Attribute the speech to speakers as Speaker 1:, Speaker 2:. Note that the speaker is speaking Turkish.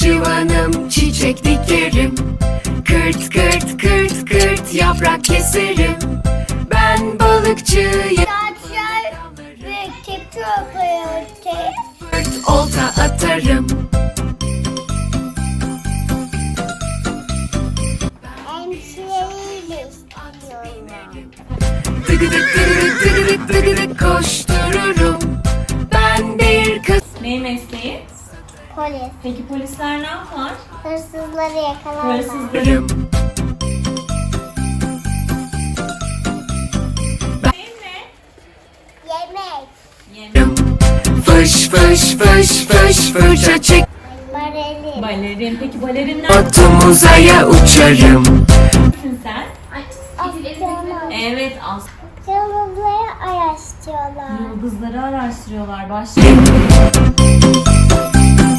Speaker 1: Bahçıvanım, çiçek dikerim. Kırt kırt kırt kırt yaprak keserim. Ben balıkçıyım.
Speaker 2: Saçlar ve kepçe yapıyor.
Speaker 1: Fırt olta atarım.
Speaker 2: Hemşireyle istiyorum.
Speaker 1: Dıgıdık dıgıdık dıgıdık dıgıdık koştururum. Ben bir kız.
Speaker 3: Ne mesleği?
Speaker 2: Polis.
Speaker 3: Peki polisler ne yapar?
Speaker 2: Hırsızları yakalarlar.
Speaker 3: Hırsızları. Ne?
Speaker 2: Yemek.
Speaker 3: Yemek.
Speaker 1: Fış fış fış fış fırça çek.
Speaker 2: Bareli.
Speaker 3: Balerin. Peki balerinler
Speaker 1: Atom uzaya uçarım.
Speaker 3: misin sen?
Speaker 2: Astronom.
Speaker 3: Evet,
Speaker 2: Yıldızları araştırıyorlar.
Speaker 3: yıldızları araştırıyorlar. Başlayalım.